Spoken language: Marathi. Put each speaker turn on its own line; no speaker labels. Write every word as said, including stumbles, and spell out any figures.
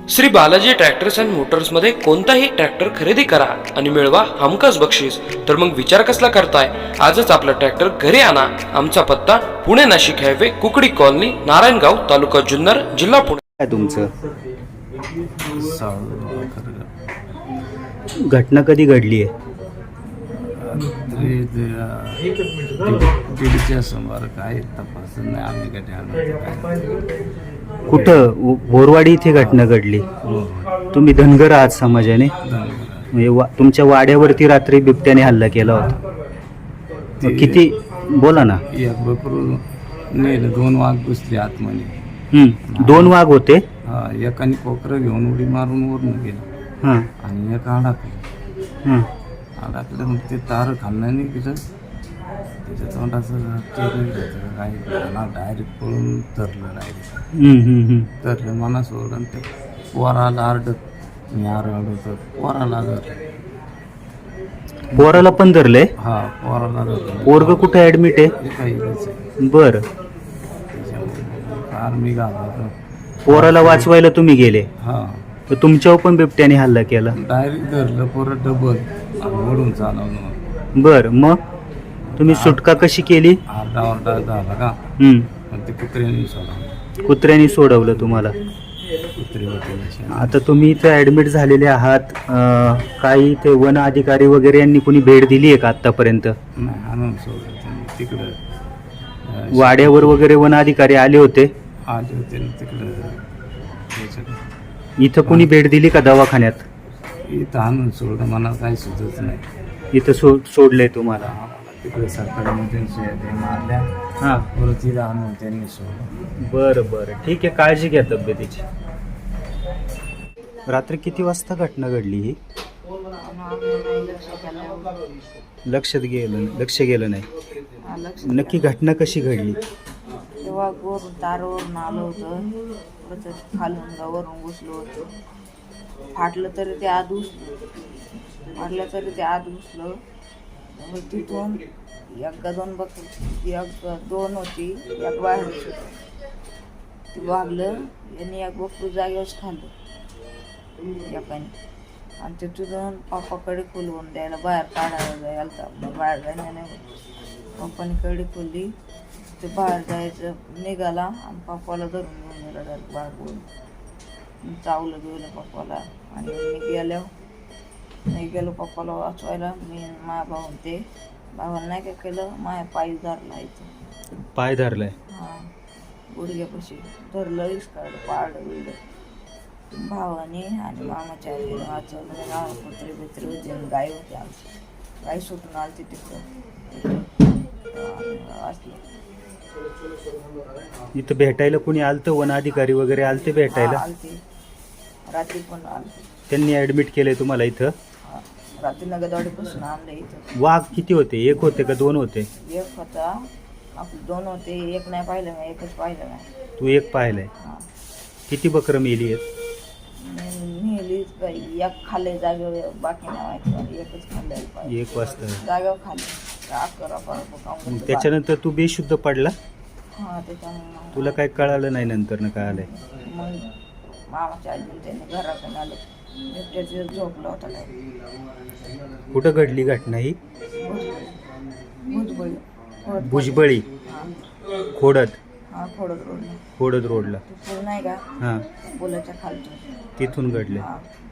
Shri Balaji tractors and motors मध्ये कोणताही ट्रॅक्टर खरेदी करा आणि मिळवा हमखास बक्षीस. तर मग विचार कसला करताय, आजच आपला ट्रॅक्टर घरी आणा. आमचा पत्ता पुणे नाशिक हायवे, कुकडी कॉलनी, नारायणगाव, तालुका जुन्नर, जिल्हा पुणे.
काय तुमचं घटना कधी घडली आहे?
दीडच्या सुमार काय तपास नाही आम्ही कधी.
कुठं? बोरवाडी इथे घटना घडली. तुम्ही धनगर आहात समाजाने, म्हणजे वा- तुमच्या वाड्यावरती रात्री बिबट्याने हल्ला केला होता. मग किती, बोला ना.
एक बकरू नेलं, दोन वाघ घुसले आतमध्ये.
हम्म, दोन वाघ होते.
हा, एकाने कोकरं घेऊन उडी मारून वरून गेलं
हां
आणि एक अडकलं.
हां
अडकलं मग ते तार खाल्लं नाही गेलं. त्याच्या तोंडाचं काही डायरेक्ट पळून धरलं. डायरेक्ट
हम्म, हम्म, हम्म.
धरलं मना सोडलं. ते पोराला आरडत मी आरडत पोराला धरलं.
पोराला पण धरले?
हा, पोराला धरलं.
पोरग कुठे ऍडमिट आहे?
काही
बर.
फार मी घालतो.
पोराला वाचवायला तुम्ही गेले,
हा,
तर तुमच्यावर पण बिबट्याने हल्ला केला.
डायरेक्ट धरलं पोरं डबल आणि ओढून चालवलं.
बर, मग तुम्ही सुटका कशी केली?
आरडा ओरडा झाला का
हम्म,
पण ते कुत्र्याने सोडा.
कुत्र्याने सोडवलं तुम्हाला.
कुत्री होते.
आता तुम्ही इथे ऍडमिट झालेले आहात. अं, काही ते वन अधिकारी वगैरे यांनी कुणी भेट दिली आहे का आतापर्यंत?
नाही, आणून सोडलं त्यांनी तिकडं. अं,
वाड्यावर वगैरे वन अधिकारी आले होते?
आले होते ना तिकडं त्याच्याकडे.
इथं कुणी भेट दिली का दवाखान्यात?
इथं आणून सोडलं, मला काही सुचत नाही.
इथं सो सोडलंय तुम्हाला?
आम्हाला तिकडे सरकारमध्ये ते मारल्या.
हां,
परत तिथं आणून त्यांनी सोडलं.
बरं बरं, ठीक आहे. काळजी घ्या तब्येतीची. रात्री किती वाजता घटना घडली ही? लक्षात गेलं लक्ष गेलं नाही. नक्की घटना कशी घडली?
तेव्हा वरून तारावरून आलं होतं, परत खालून गावावरून घुसलं होतं. फाटलं तरी ते आत घुसलं, फाटलं तरी ते आत घुसलं. मग तिथून एक का दोन बक एक दोन होती, एक बाहेर होती. ते वागलं यांनी एक बकरू जागेवरच खाल्लं एकाने. आणि ते तिथून पप्पाकडे खोलवून द्यायला बाहेर काढायला जायला तर बाहेर जायला नाही होत. पप्पाने कडी खोलली, ते बाहेर जायचं निघाला आणि पप्पाला धरून घेऊन गेला डायरेक्ट बाहेर बोलून. चावलं गेलं पप्पाला. आणि मी गेल्यावर मी गेलो पप्पाला वाचवायला. मी माझ्या भाऊन ते भावाला नाही काय केलं, माझ्या पायी धरला इथं.
पाय धरलाय?
हां, गुडघ्यापाशी धरलं, इसकाळलं, पाळलं बिळलं. भावाने आणि मामाच्या आईने वाचवलं. गाव कुत्रे बित्रे होते, गाय होते आमची. गाय सुटून आली तिथं वाचली.
इथं भेटायला कुणी आलतं? वन अधिकारी वगैरे आलते भेटायला?
आलती, रात्री पण आलती.
त्यांनी ऍडमिट केलंय तुम्हाला इथं?
हां, रात्री नगरवाडीपासून आणलं इथं.
वाघ किती होते? एक होते का दोन होते?
एक होता, आपले दोन होते. एक नाही पाहिलं मी, एकच पाहिलं नाही.
तू एक पाहिलंय?
हां,
किती बकरं मेली आहेत?
नेलीच बाई. एक खाल्ले जागेवर, बाकी नाही माहिती मला. एकच खाल्लं पाहिजे
एक वाजता?
जागेवर खाल्ले. अकरा बारा
त्याच्यानंतर तू बेशुद्ध पडला?
हां, त्याच्यामुळे
तुला काय कळालं नाही नंतर ना कळालंय?
मग मामाच्या आजी त्याने घराकडे आलं, बिबट्याचे झोपला होता काय.
कुठं घडली घटना ही?
भुजबळी
भुजबळी?
हां
खोडद?
हां, खोडद रोडला.
खोडद रोडला?
ते पूल नाही का,
हां,
पुलाच्या खालतून.
तिथून घडले?
हां.